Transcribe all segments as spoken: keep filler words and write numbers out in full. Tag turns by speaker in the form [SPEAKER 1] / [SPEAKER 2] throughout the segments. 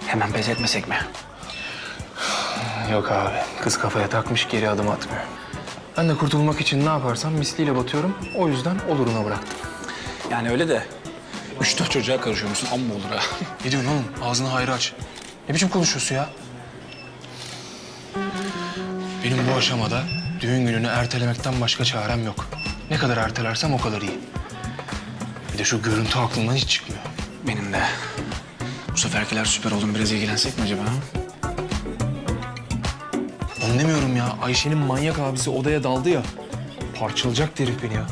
[SPEAKER 1] Hemen pes etmesek mi?
[SPEAKER 2] Yok abi. Kız kafaya takmış, geri adım atmıyor. Ben de kurtulmak için ne yaparsam misliyle batıyorum. O yüzden oluruna bıraktım.
[SPEAKER 1] Yani öyle de üç dört çocuğa karışıyormuşsun, amma olur ha.
[SPEAKER 2] Ne diyorsun oğlum? Ağzını hayra aç. Ne biçim konuşuyorsun ya? Benim bu aşamada düğün gününü ertelemekten başka çarem yok. Ne kadar ertelersem o kadar iyi. Bir de şu görüntü aklımdan hiç çıkmıyor.
[SPEAKER 1] Benim de. Bu seferkiler süper oldum. Biraz ilgilensek mi acaba? Ha?
[SPEAKER 2] Onu demiyorum ya. Ayşe'nin manyak abisi odaya daldı ya. Parçalayacaktı herif beni ya.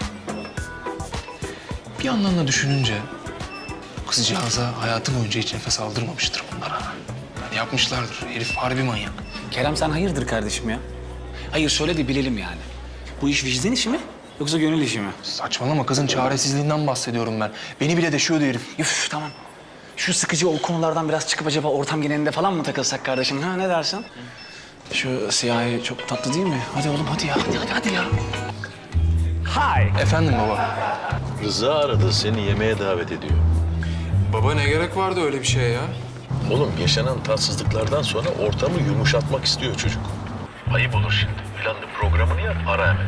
[SPEAKER 2] Bir yandan da düşününce kızcağıza hayatı boyunca hiç nefes aldırmamıştır bunlara. Yani yapmışlardır. Herif harbi manyak.
[SPEAKER 1] Kerem sen hayırdır kardeşim ya? Hayır söyle de bilelim yani. Bu iş vicdan işi mi yoksa gönül işi mi?
[SPEAKER 2] Saçmalama, kızın çaresizliğinden bahsediyorum ben. Beni bile deşiyordu herif.
[SPEAKER 1] Üf tamam. Şu sıkıcı o konulardan biraz çıkıp acaba ortam genelinde falan mı takılsak kardeşim? Ha ne dersin? Şu siyahi çok tatlı değil mi? Hadi oğlum hadi ya. Hadi hadi, hadi ya. Hi.
[SPEAKER 2] Efendim baba.
[SPEAKER 3] Rıza aradı, seni yemeğe davet ediyor.
[SPEAKER 2] Baba ne gerek vardı öyle bir şeye ya?
[SPEAKER 3] Oğlum yaşanan tatsızlıklardan sonra ortamı yumuşatmak istiyor çocuk. Ayıp olur şimdi. Planlı programını yap, ara hemen.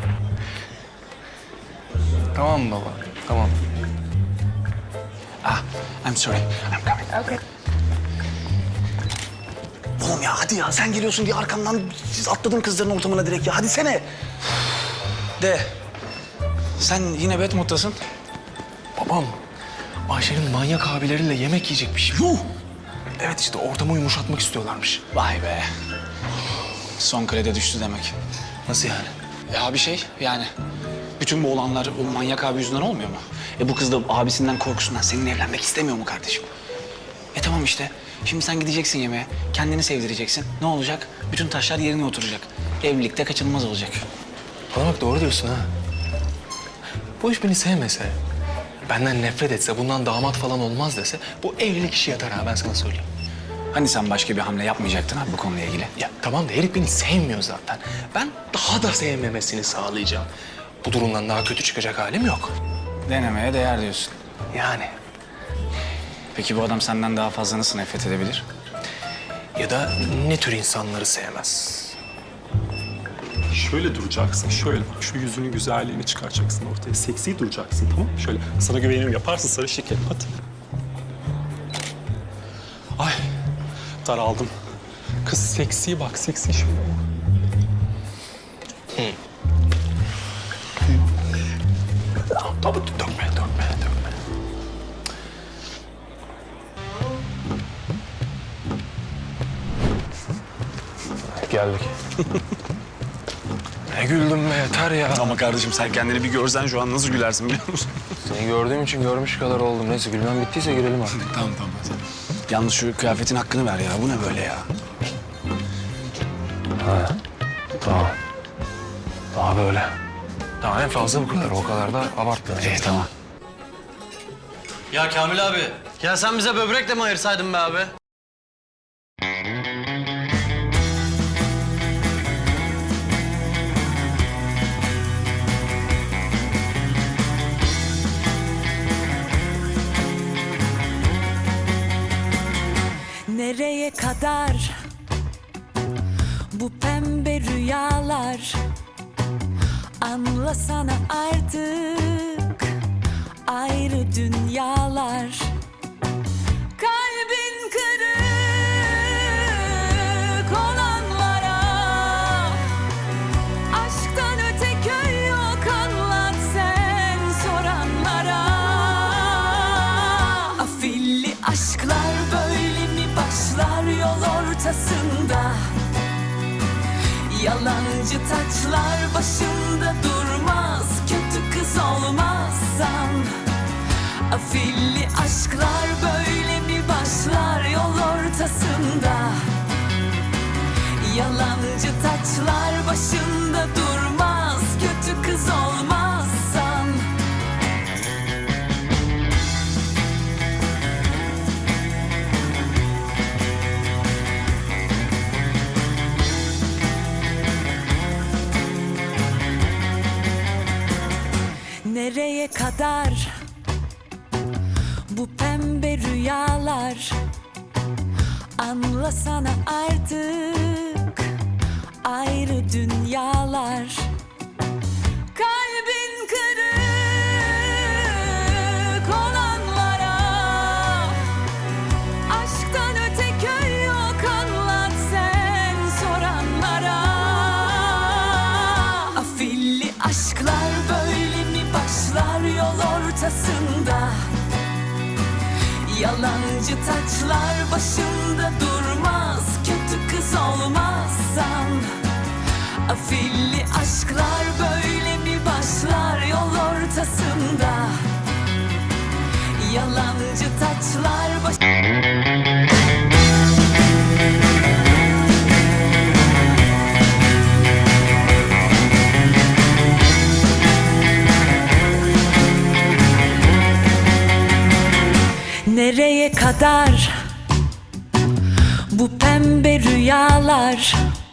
[SPEAKER 2] Tamam baba, tamam.
[SPEAKER 1] Ah, I'm sorry. I'm coming. Okay. Oğlum ya hadi ya sen geliyorsun diye arkamdan atladım kızların ortamına direkt ya. Hadi sene. De. Sen yine bad moddasın.
[SPEAKER 2] Babam, Ayşe'nin manyak abileriyle yemek yiyecekmiş.
[SPEAKER 1] Yuh!
[SPEAKER 2] Evet işte ortamı yumuşatmak istiyorlarmış.
[SPEAKER 1] Vay be. Son kredi düştü demek.
[SPEAKER 2] Nasıl yani?
[SPEAKER 1] Ya bir şey yani. Bütün bu olanlar o manyak abi yüzünden olmuyor mu? E bu kız da abisinden korkusundan seninle evlenmek istemiyor mu kardeşim? E tamam işte. Şimdi sen gideceksin yemeğe. Kendini sevdireceksin. Ne olacak? Bütün taşlar yerine oturacak. Evlilikte kaçınılmaz olacak.
[SPEAKER 2] Bana bak doğru diyorsun ha. Bu iş beni sevmese, benden nefret etse, bundan damat falan olmaz dese bu evlilik işi yatar ha ben sana söyleyeyim.
[SPEAKER 1] Hani sen başka bir hamle yapmayacaktın abi bu konuyla ilgili?
[SPEAKER 2] Ya tamam da herif beni sevmiyor zaten. Ben daha da sevmemesini sağlayacağım. Bu durumdan daha kötü çıkacak halim yok.
[SPEAKER 1] Denemeye değer diyorsun.
[SPEAKER 2] Yani.
[SPEAKER 1] Peki bu adam senden daha fazla nasıl nefret edebilir?
[SPEAKER 2] Ya da ne tür insanları sevmez?
[SPEAKER 4] Şöyle duracaksın, şöyle bak. Şu yüzünün güzelliğini çıkaracaksın ortaya. Seksi duracaksın, tamam mı? Şöyle, sana güvenirim. Yaparsın sarı şekerim, hadi. Ay, daraldım. Kız seksi bak, seksi şöyle.
[SPEAKER 2] Tabii dökme, dökme, dökme. Geldik. Ne güldüm be yeter ya.
[SPEAKER 1] Ama kardeşim sen kendini bir görsen şu an nasıl gülersin biliyor musun?
[SPEAKER 2] Seni gördüğüm için görmüş kadar oldum. Neyse gülmem bittiyse girelim artık.
[SPEAKER 1] Tamam tamam. Yalnız şu kıyafetin hakkını ver ya. Bu ne böyle ya?
[SPEAKER 2] Ha, tamam. Daha böyle. Tamam en fazla bu kadar. O kadar da abartma.
[SPEAKER 1] İyi tamam.
[SPEAKER 5] Ya Kamil abi, ya sen bize böbrek de mi ayırsaydın be abi?
[SPEAKER 6] Nereye kadar bu pembe rüyalar? Anlasana artık ayrı dünyalar. Kalbin kırık olanlara aşktan öte köy yok, anlat sen soranlara. Afilli aşklar böyle mi başlar yol ortasında? Yalancı taçlar başında durmaz, kötü kız olmazsan. Afilli aşklar böyle mi başlar yol ortasında? Yalancı taçlar başında durmaz, kötü kız olmazsan. Nereye kadar bu pembe rüyalar? Anlasana artık ayrı dünyalar. Kalbin kırık olanlara aşktan öte köy yok, anlat sen soranlara. Afilli aşklar böyle mi başlar yol ortasında? Yalancı taçlar başında durmaz, kötü kız olmazsan. Afilli aşklar böyle mi başlar yol ortasında? Yalancı taçlar baş... Nereye kadar bu pembe rüyalar?